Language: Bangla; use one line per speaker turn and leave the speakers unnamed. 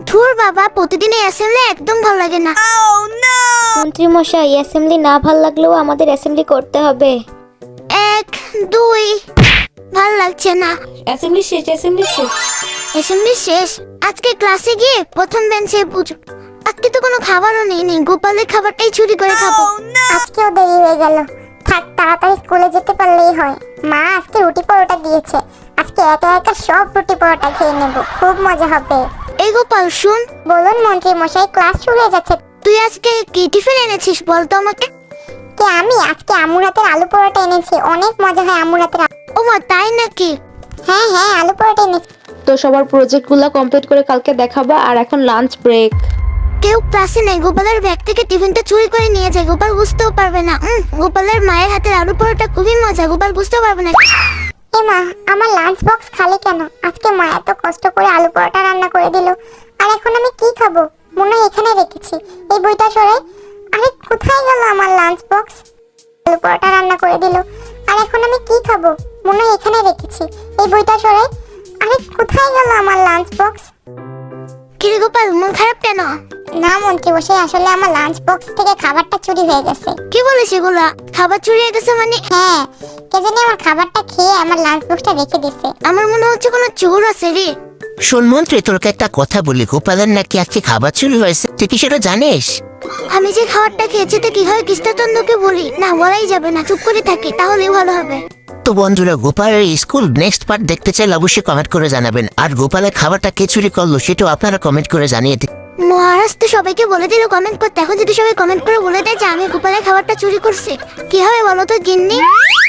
ধুর বাবা, প্রতিদিন এই অ্যাসেম্বলি একদম ভালো লাগে না।
মন্ত্রী মশাই, অ্যাসেম্বলি না ভাল লাগলেও আমাদের অ্যাসেম্বলি করতে হবে।
1 2 ভাল লাগছে না।
অ্যাসেম্বলি শেষ, অ্যাসেম্বলি শেষ।
অ্যাসেম্বলি শেষ। আজকে ক্লাসে গিয়ে প্রথম বেঞ্চে বুঝ। আজকে তো কোনো খাবারও নেই, গোপালের খাবারটাই চুরি করে খাবো।
আজকেও দেরি হয়ে গেল। থাক, তাড়াতাড়ি স্কুলে যেতে পারলেই হয়। মা আজকে রুটি পরোটা দিয়েছে। আজকে একা একা সব রুটি পরোটা খেয়ে নেব, খুব মজা হবে।
এই গোপাল শুন,
বলুন মন্ত্রী মশাই, ক্লাস শুরু হয়ে যাচ্ছে।
তুই আজকে কি টিফিন এনেছিস বলতো আমাকে?
কে আমি? আজকে আম্মুর হাতের আলু পরোটা এনেছি, অনেক মজা হয় আম্মুর হাতের।
ও মা, তাই নাকি?
হ্যাঁ হ্যাঁ, আলু পরোটা এনেছি।
তো সবার প্রজেক্টগুলো কমপ্লিট করে কালকে দেখাবা। আর এখন লাঞ্চ ব্রেক।
কেউ ক্লাসে নেই, গোপালের ব্যাগ থেকে টিফিনটা চুরি করে নিয়ে যায়। গোপাল বুঝতেও পারবে না। গোপালের মায়ের হাতের আলু পরোটা খুবই মজা, গোপাল বুঝতেও পারবে না।
এ মা, আমার লাঞ্চ বক্স খালি কেন? আজকে মা এত কষ্ট করে আলু পরোটা রান্না করে দিল, আর এখন আমি কি খাবো? মনে হয় এখানে রেখেছি। এই বইটা সরাই। আরে কোথায় গেল আমার লাঞ্চ বক্স? আলু পরোটা রান্না করে দিল, আর এখন আমি কি খাবো? মনে হয় এখানে রেখেছি। এই বইটা সরাই। আরে কোথায় গেল আমার লাঞ্চ বক্স?
কিরে গোপাল, মন খারাপ কেন?
না মন্ত্রী মশাই, আসলে আমার লাঞ্চ বক্স থেকে খাবারটা চুরি হয়ে গেছে।
কি বলিস এগুলা? খাবার চুরি হয়ে গেছে মানে?
হ্যাঁ, কে জানি আমার খাবারটা খেয়ে আমার লাঞ্চ বক্সটা রেখে দিছে।
আমার মনে হচ্ছে কোনো চোর আছে রে।
শোন মন্ত্রী, তোকে একটা কথা বলি, গোপালের নাকি আজকে খাবার চুরি হয়েছে। তুই কি সেটা জানিস?
আমি যে খাবারটা খেয়েছি তো কি হয় কৃষ্ণচন্দ্রকে বলি না? বলাই যাবে না, চুপ করে থাকি, তাহলেই ভালো হবে।
তো বন্ধুরা, গোপালের স্কুল নেক্সট পার্ট দেখতে চাইলে অবশ্যই কমেন্ট করে জানাবেন। আর গোপালের খাবারটা কে চুরি করলো সেটাও আপনারা কমেন্ট করে জানিয়ে দিন।
মহারাজ তো সবাইকে বলে দিল কমেন্ট করতে। এখন যদি সবাই কমেন্ট করে বলে দেয় যে আমি গোপালের খাবারটা চুরি করছি, কি হবে বলো তো গিন্নি?